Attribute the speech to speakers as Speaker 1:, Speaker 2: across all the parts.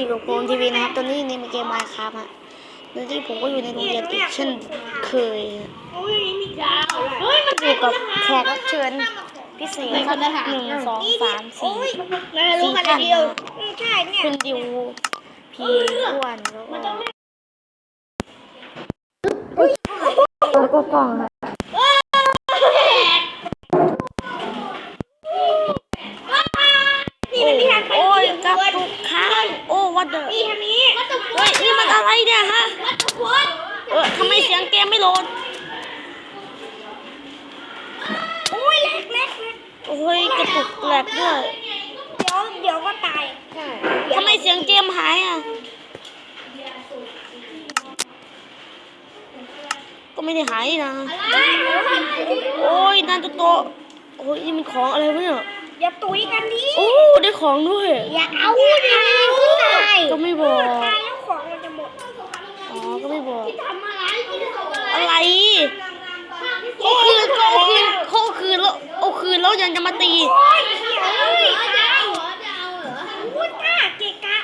Speaker 1: อยู่กับโกนทีวีนะครับตอนนี้ในเกม Minecraft ฮะโดยที่ผมก็อยู่ในโรงเรียนอีกเช่นเคยอยู่กับแขกรับเชิญพิเศษครับ1 2 3 4 4 ท่านนะคุณดิวพีอ้วนแล้วก็กล้องครับโอ้ยกับทุกครั้งโอ้วัดเดอร์เฮ้ยนี่มันอะไรเนี่ยฮะทำไมเสียงเกมไม่โหลดโอ้ยเล็กโอ้ยกระตุกแหลกด้วย
Speaker 2: เดี๋ยวก็ตาย
Speaker 1: ทำไมเสียงเกมหายอ่ะก็ไม่ได้หายนะโอ้ยนันโตโอ้ยนี่มันของอะไรวะเนี่ย
Speaker 2: อย่าตุ๋ยกันดิ
Speaker 1: โอ้ได้ของด้วย
Speaker 2: อย่าเอาดิตาย
Speaker 1: ก็ไม่บอก
Speaker 2: ตายแล้วของมันจะหมด
Speaker 1: อ๋อก็ไม่บอก
Speaker 2: อะไร
Speaker 1: เขาคืนแล้วเอาคืนแล้วยังจะมาตี
Speaker 2: เกะกะ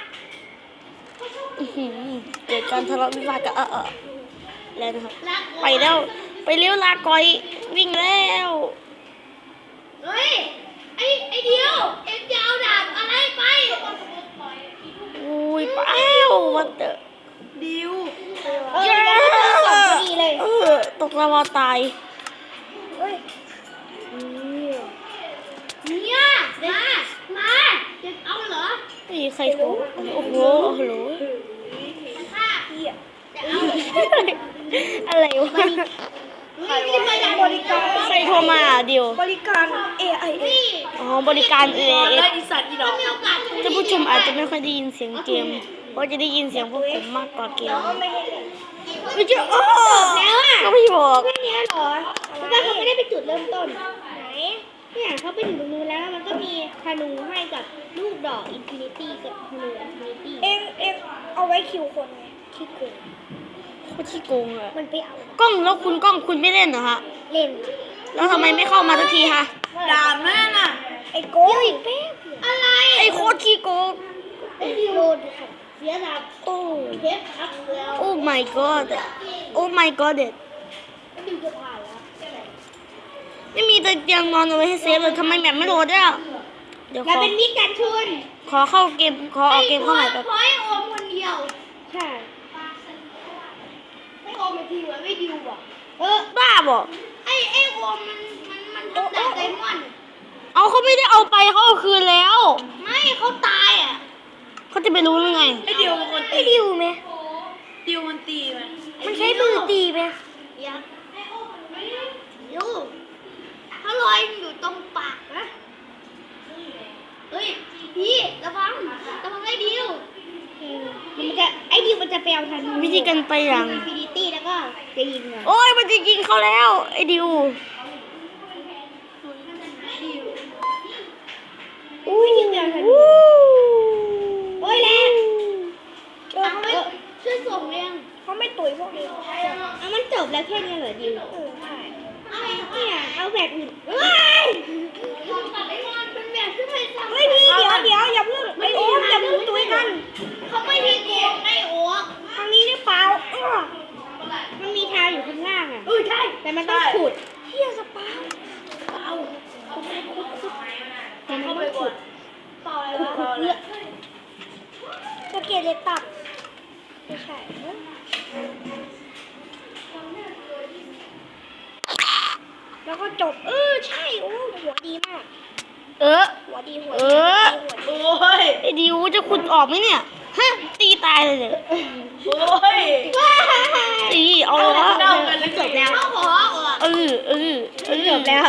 Speaker 1: เกิดการทะเลาะวิวาทกันแล้วนะครับไปเร็วลาก่อยวิ่งแล้ว
Speaker 2: เฮ้ยไอเดียวเอ็งจะเอาดาบอะไรไป
Speaker 1: อุ้ยเปล่าวันเตอร์
Speaker 2: ดิว
Speaker 1: ตกลาวาตาย
Speaker 2: เนี่ยมาจะเอาเหรอ
Speaker 1: นี่ใครโทรโอ้โหฮัลโหลอะไรวะใครโทรมาเดียว
Speaker 2: บริการ AIA
Speaker 1: อ๋อบริการ AIA
Speaker 2: จะ
Speaker 1: ผู้ชมอาจจะไม่ค่อยได้ยินเสียงเกมเพราะจะได้ยินเสียงพวกผมมากกว่าเกมไม่ใช่โอ้
Speaker 2: แล้วอ่ะ
Speaker 1: ก็ไม่บอก
Speaker 2: แค่นี้หรอเพราะว่าเขาไม่ได้ไปจุดเริ่มต้นไหนเนี่ยเขาไปถึงตรงนู้นแล้วมันก็มีธนูให้กับลูกดอกอินฟินิตี้กับธนูอินฟินิตี้เอ็งเอาไว้คิวคนไงคิวโกง
Speaker 1: เขาที่โกงอะ
Speaker 2: มันไปเอา
Speaker 1: กล้องแล้วคุณไม่เล่นเหรอฮะ
Speaker 2: เล่น
Speaker 1: แล้วทำไมไม่เข้ามาสักทีฮะ
Speaker 2: ด่าแม่น่ะไอ้โกงอีกแป๊บอะไร
Speaker 1: ไอ้โคตรขี้โกง
Speaker 2: ไอ้ดิวเสียดาบ
Speaker 1: โอ้
Speaker 2: เทปพักแล้ว
Speaker 1: โอ้ my god โอ้ my god
Speaker 2: ดิวจะผ่านแล้ว
Speaker 1: ไม่มีเตียงนอนเอาไว้ให้เซฟเลยทำไมแบบไม่โหลดอ่ะ
Speaker 2: เดี๋ยวเป็นมิตรกันชุน
Speaker 1: ขอเข้าเกมขอเอาเกมเข้าใหม่แบบ
Speaker 2: ขอให้โอมคนเดียวใช่ให้โอมไปทีไว้ไม่ดิวอ่ะ
Speaker 1: บ้าบอก
Speaker 2: ไอ้โอมมันต้องได้ไดมอนด์
Speaker 1: เอาเขาไม่ได้เอาไปเขาเอาคืนแล้ว
Speaker 2: ไม่เขาตายอ่ะ
Speaker 1: เขาจะไปรู้ยังไง
Speaker 2: ไอ้ดิวมันไอ้ดิวไหมดิวมันตีไหมมันใช้มือตีไหมยัดดิวเขาลอยอยู่ตรงปากนะเฮ้ยพี่ระวังไอ้ดิวไอ้ดิวมันจะไปเอาทัน
Speaker 1: วิธีการไปอย่าง
Speaker 2: อินฟินิตี้แล้วก็จะยิง
Speaker 1: โอ้ยมันจะยิงเขาแล้วไอ้ดิว
Speaker 2: อุ้ยยิงเดียวทันโอ้ยแล้วช่วยส่งเรียงเขาไม่ตุ๋ยพวกนี้มันจบแล้วแค่นี้เหรอดิวเนี่ยเอาแบบอื่นเฮ้ยพี่เดี๋ยวอย่าเพิ่งไอโอ๊คอย่าเพิ่งตุ๋ยกันเขาไม่มีโกงไอโอ๊คทางนี้หรือเปล่ามันมีทางอยู่ข้างล่างอ่ะใช่แต่มันต้องขุดเที่ยสปาเอาแต่มันต้องขุดเยอะตะเกียบเล็กตับไม่ใช่แล้วก็จบใช่โอ้หัวดีมากหัวดีโอ้
Speaker 1: ยไอ้ดิวจะขุดออกไหมเนี่ยฮะตีตายเลยเนี่ย
Speaker 2: โอ้ย
Speaker 1: ตีเอาละ
Speaker 2: จบแล้ว
Speaker 1: จบแล้ว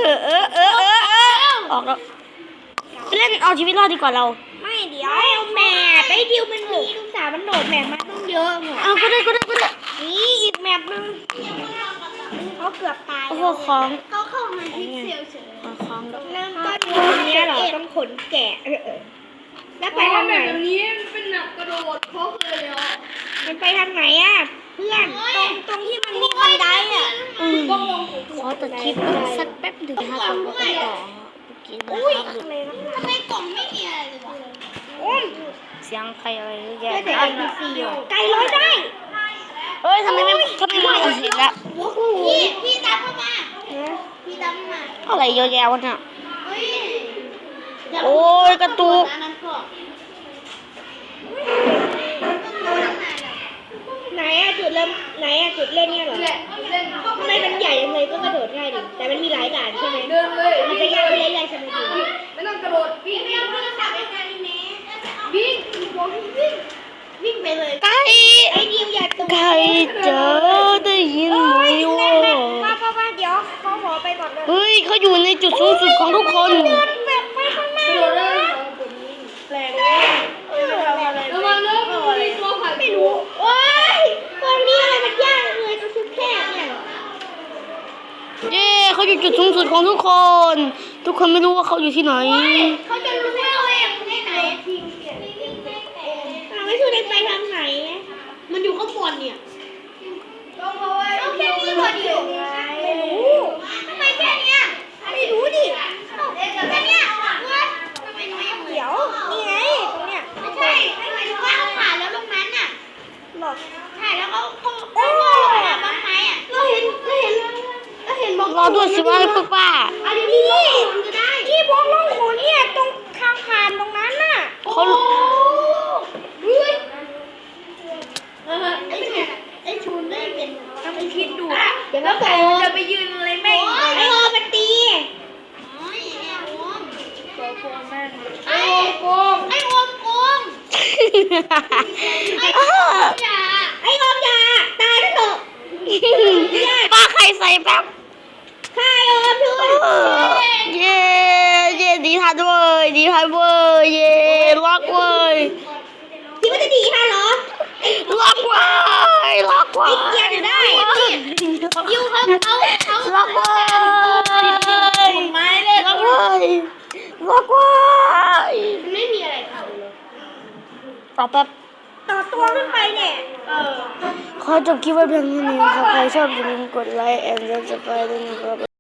Speaker 1: ออกแล้วไปเล่นเอาชีวิตรอดดีกว่าเรา
Speaker 2: ไม่เดี๋ยวแม่ไปดิวมันมีลูกสาวมันโดดแมปมาต้องเยอะหมด
Speaker 1: ก็ได้
Speaker 2: นี่อีกแมปนึงเขาเกือบตาย
Speaker 1: โอ้โหของ
Speaker 2: เขาเข้ามาพิกเซลเฉย
Speaker 1: ของ
Speaker 2: เริ่มต้นนี้เหรอต้องขนแกะแล้วไปทางไหนแบบนี้เป็นแบบกระโดดโค้งเลยอ่ะมันไปทางไหนอ่ะเพื่อนตรงที่มันมีบันไดอ่ะ
Speaker 1: ขอตัดคลิปสักแป๊บหนึ่งนะคะก่อนก็ต่อกินนะครับ
Speaker 2: ทำไมกล่องไม่มีอะไรเลยวะ
Speaker 1: สียงใครอะไรเยอะแยะ
Speaker 2: แต่ NPC ว่ะไก่ร้อยได้
Speaker 1: เฮ้ยทำไมไม่เห็นละ
Speaker 2: พี่ตามเข้ามาพี่ตามเข้ามา
Speaker 1: อะไรเยอะแยะวะเนี่ย
Speaker 2: เฮ้ย
Speaker 1: โอ้ยกระตุก
Speaker 2: ไหนอะจุดเริ่มไหนอะจุดเล่นเนี่ยเหรอทำไมมันใหญ่จังเลยก็กระโดดง่ายดิแต่มันมีหลายด่านใช่ไหมเดินเลยมันจะยากขึ้นเรื่อยๆใช่ไหมพี่ไม่ต้องกระโดดวิ่งไม่เอาโทรศัพท์ไปไกลแม่วิ่งวิ่งไปเลย
Speaker 1: ไก่
Speaker 2: ไอ้ดิวอย่าตุ้
Speaker 1: ไก่เจอได้ยินไหมวะ
Speaker 2: ป้าเดี๋ยวเขาขอไปก่อนเลย
Speaker 1: เฮ้ยเขาอยู่ในจุดสูงสุดของทุกคน
Speaker 2: แบบไปข้างหน้าแรงทำอะไรระวังนะมีตัวผ่านไม่รู้โอ้ยตรงนี้อะไรมันยากเลยตรงชุดแคบเนี่ย
Speaker 1: เย้เขาอยู่จุดสูงสุดของทุกคน ทุกคนไม่รู้ว่าเขาอยู่ที่ไหน
Speaker 2: เขาจะรู้ว่าเราเองที่ไหนทีมเปลี่ยนไม่ช่วยไปทางไหนมันอยู่ข้างบนเนี่ยเอาแค่นี้พอดีไม่รู้ทำไมแค่เนี้ยไม่รู้ดิแค่เนี้ยทำไมหนูยังเดี๋ยวนี่ไงตรงเนี้ยไม่ใช่ไม่หมายถึงว่าเขาผ่านแล้วตรงนั้นน่ะหรอใช่แล้วเขาลงมาบ้างไหมอ่ะเราเห็นบอก
Speaker 1: รอด้วยสิว่าพวกป้า
Speaker 2: อันนี้ที่บล็อกล่องขนเนี่ยตรงทางผ่านตรงนั้นน่ะ
Speaker 1: เขา
Speaker 2: เฮ้ยไอ้ชูนได้เป็นทำไอ้คิดดูเดี๋ยวก็โตจะไปยืนอะไรแม่งไอ้โอมันตีไอ้โอมโกงไอ้โอมอย่าตายเถอะ
Speaker 1: ป้าใครใส่แป๊บ
Speaker 2: ฆ่าไอ้โอมด้วย
Speaker 1: เย้ดีทันเว้ยดีทันเว้ยเย้ล็อกเว้ย
Speaker 2: คิดว่าจะดีค่ะเหรอ
Speaker 1: ล็อกเว้ยล็อกเว้ย
Speaker 2: เกียร์อยู่ได้ยูเขา
Speaker 1: ล็อกเว้ย
Speaker 2: ไม้เลย
Speaker 1: ล็อกเว้ยล็อกเว้ย
Speaker 2: ไม่มีอะไรทำเลย
Speaker 1: ต่อแป๊บ
Speaker 2: ต่อตัวขึ้นไปเนี่ย
Speaker 1: ขอจบคลิปไว้เพียงเท่านี้ครับใครชอบอย่าลืมกดไลค์ and subscribe ด้วยนะครับ